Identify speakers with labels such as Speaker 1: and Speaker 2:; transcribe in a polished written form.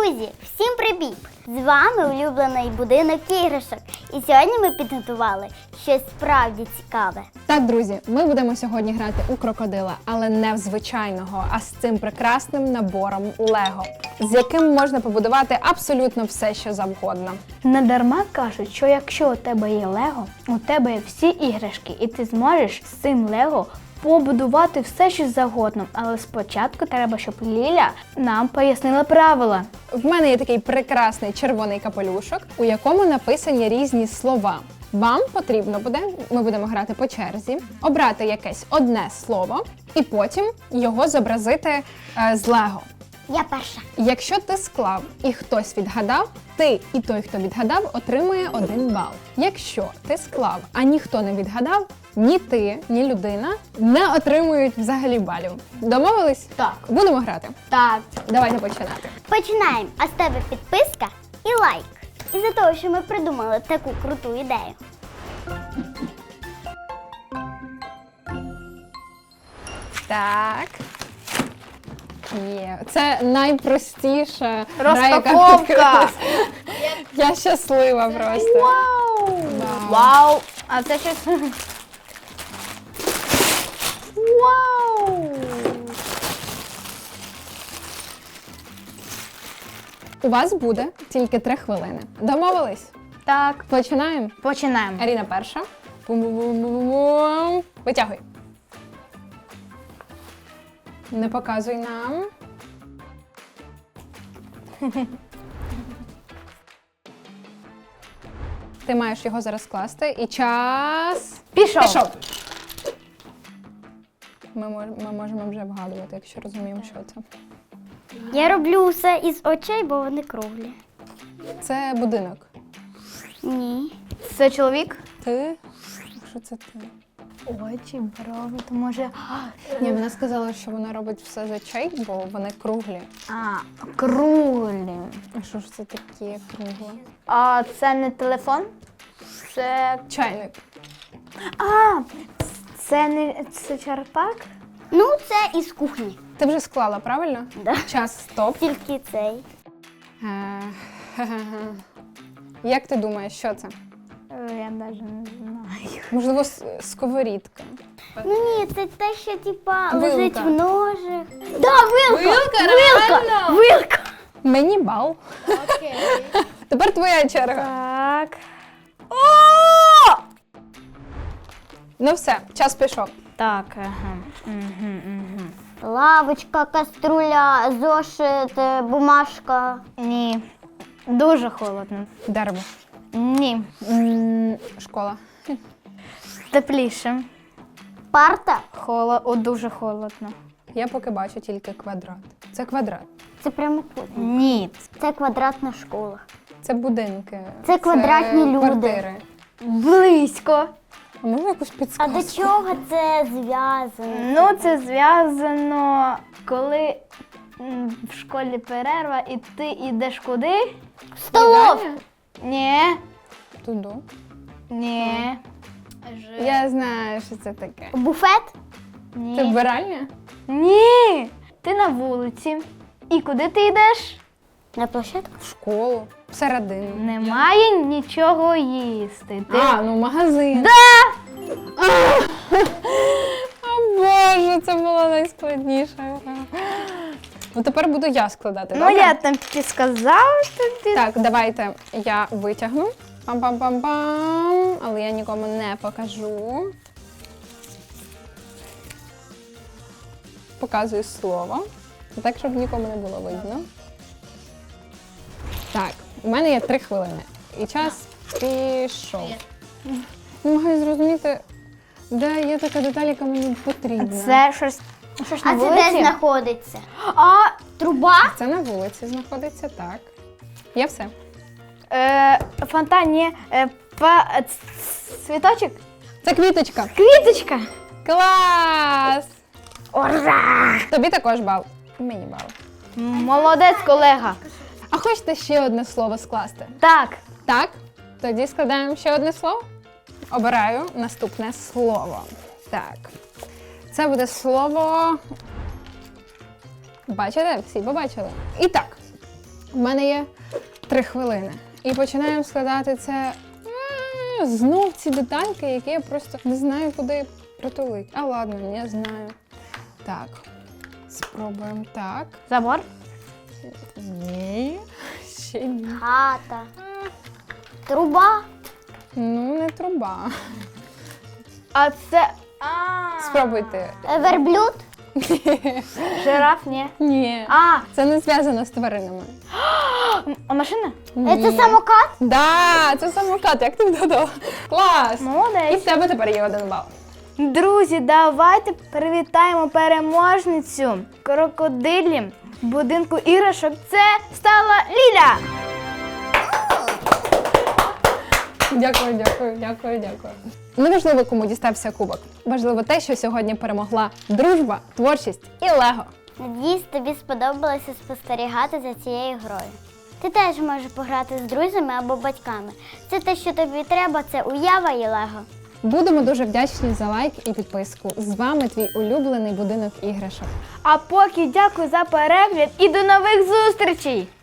Speaker 1: Друзі, всім привіт! З вами улюблений будинок іграшок. І сьогодні ми підготували щось справді цікаве.
Speaker 2: Так, друзі, ми будемо сьогодні грати у крокодила, але не в звичайного, а з цим прекрасним набором Лего, з яким можна побудувати абсолютно все, що завгодно.
Speaker 3: Не дарма кажуть, що якщо у тебе є Лего, у тебе є всі іграшки, і ти зможеш з цим Лего побудувати все, що завгодно. Але спочатку треба, щоб Ліля нам пояснила правила.
Speaker 2: В мене є такий прекрасний червоний капелюшок, у якому написані різні слова. Вам потрібно буде, ми будемо грати по черзі, обрати якесь одне слово і потім його зобразити з Лего.
Speaker 1: Я перша.
Speaker 2: Якщо ти склав і хтось відгадав, ти і той, хто відгадав, отримує 1 бал. Якщо ти склав, а ніхто не відгадав, ні ти, ні людина не отримують взагалі балів. Домовились?
Speaker 3: Так.
Speaker 2: Будемо грати.
Speaker 3: Так.
Speaker 2: Давайте починати.
Speaker 1: Починаємо. А з тебе підписка і лайк. Із-за того, що ми придумали таку круту ідею.
Speaker 2: Так. Є. Це найпростіша гра, яка
Speaker 3: Розпаковка!
Speaker 2: відкрилась. Я щаслива просто.
Speaker 3: Вау!
Speaker 2: Вау.
Speaker 3: Вау! А це щось... Вау!
Speaker 2: У вас буде тільки 3 хвилини. Домовились?
Speaker 3: Так,
Speaker 2: Починаємо.
Speaker 3: починаємо.
Speaker 2: Аріна перша. Бум-бум-бум-бум-бум. Витягуй. Не показуй нам. Ти маєш його зараз скласти. І час...
Speaker 3: Пішов.
Speaker 2: Пішов. Ми можемо вже вгадувати, якщо розуміємо, що це.
Speaker 1: Я роблю все із очей, бо вони круглі.
Speaker 2: Це будинок.
Speaker 1: Ні.
Speaker 3: Це чоловік?
Speaker 2: Ти? Що це ти?
Speaker 3: Очі, брови, то може...
Speaker 2: Ні, вона сказала, що вона робить все з очей, бо вони круглі.
Speaker 3: А, круглі.
Speaker 2: А що ж це таке кругле?
Speaker 3: А це не телефон? Це...
Speaker 2: Чайник.
Speaker 3: А, це не... це черпак?
Speaker 1: Ну, це із кухні.
Speaker 2: Ти вже склала, правильно?
Speaker 1: Да.
Speaker 2: Час, стоп.
Speaker 1: Тільки цей.
Speaker 2: Як ти думаєш, що це?
Speaker 3: Я навіть не знаю.
Speaker 2: Можливо, сковорідка.
Speaker 1: Ну ні, це те, що типа
Speaker 2: Вилка.
Speaker 1: лежить в ножах. Да, вилка!
Speaker 2: реально?
Speaker 1: Вилка!
Speaker 2: Мені бал.
Speaker 3: Окей.
Speaker 2: Тепер твоя черга.
Speaker 3: Так.
Speaker 2: Ну все, час пішов.
Speaker 3: Так, ага.
Speaker 1: Лавочка, каструля, зошит, бумажка.
Speaker 3: Ні. Дуже холодно.
Speaker 2: Дерево.
Speaker 3: Ні.
Speaker 2: Школа.
Speaker 3: Тепліше.
Speaker 1: Парта.
Speaker 3: Дуже холодно.
Speaker 2: Я поки бачу тільки квадрат. Це квадрат.
Speaker 1: Це прямокутник.
Speaker 3: Ні.
Speaker 1: Це квадратна школа.
Speaker 2: Це будинки.
Speaker 1: Це квадратні люди.
Speaker 2: Квартири.
Speaker 3: Близько.
Speaker 2: А можна якусь
Speaker 1: А
Speaker 2: підсказку?
Speaker 1: до чого це зв'язано?
Speaker 3: Ну, це зв'язано, коли в школі перерва і ти йдеш куди?
Speaker 1: Столовка.
Speaker 3: Ні.
Speaker 2: Туди.
Speaker 3: Ні.
Speaker 2: Я знаю, що це таке.
Speaker 1: Буфет.
Speaker 3: Ні.
Speaker 2: Це вбиральня?
Speaker 3: Ні. Ти на вулиці. І куди ти йдеш?
Speaker 1: На площадку.
Speaker 2: В школу. Всередину.
Speaker 3: Немає нічого їсти. Ти...
Speaker 2: Ну магазин.
Speaker 3: Да!
Speaker 2: О Боже, це була найскладніша гра. Ну тепер буду я складати,
Speaker 3: Ну,
Speaker 2: добре?
Speaker 3: я там підсказала тобі.
Speaker 2: Так, давайте я витягну. Пам-пам-пам-пам. Але я нікому не покажу. Показую слово. Так, щоб нікому не було видно. Так, у мене є 3 хвилини. І час пішов. Намагаюсь зрозуміти, де є така деталь, яка мені потрібна.
Speaker 3: Це щось на
Speaker 1: А це
Speaker 3: вулиці?
Speaker 1: де знаходиться?
Speaker 3: А,
Speaker 1: Труба?
Speaker 2: Це на вулиці знаходиться, так. Є все.
Speaker 3: фонтан, ні. Цвіточок?
Speaker 2: Це квіточка.
Speaker 3: Квіточка.
Speaker 2: Клас!
Speaker 3: Ура!
Speaker 2: Тобі також бал. Мені бал.
Speaker 3: Молодець, колега.
Speaker 2: А хочете ще одне слово скласти?
Speaker 3: Так.
Speaker 2: Так? Тоді складаємо ще одне слово. Обираю наступне слово. Так. Це буде слово. Бачите? Всі побачили. І так. У мене є 3 хвилини. І починаємо складати це. Знов ці детальки, які я просто не знаю, куди притулити. А ладно, я знаю. Так, спробуємо так.
Speaker 3: Забор?
Speaker 2: Ні, ще ні.
Speaker 1: Хата. Труба.
Speaker 2: Ну, не труба.
Speaker 3: А це.
Speaker 2: Спробуйте.
Speaker 1: Верблюд.
Speaker 3: Жираф, ні.
Speaker 2: Ні.
Speaker 3: А,
Speaker 2: Це не зв'язано з тваринами.
Speaker 3: а машина?
Speaker 1: Це самокат.
Speaker 2: Да, це самокат, як ти вгадала. Клас! І
Speaker 3: Молодець.
Speaker 2: в тебе тепер є 1 бал.
Speaker 3: Друзі, давайте привітаємо переможницю крокодилі будинку іграшок. Це стала Ліля.
Speaker 2: Дякую. Неважливо, кому дістався кубок. Важливо те, що сьогодні перемогла дружба, творчість і лего.
Speaker 1: Надіюсь, тобі сподобалося спостерігати за цією грою. Ти теж можеш пограти з друзями або батьками. Це те, що тобі треба, це уява і лего.
Speaker 2: Будемо дуже вдячні за лайк і підписку. З вами твій улюблений будинок іграшок.
Speaker 3: А поки дякую за перегляд і до нових зустрічей!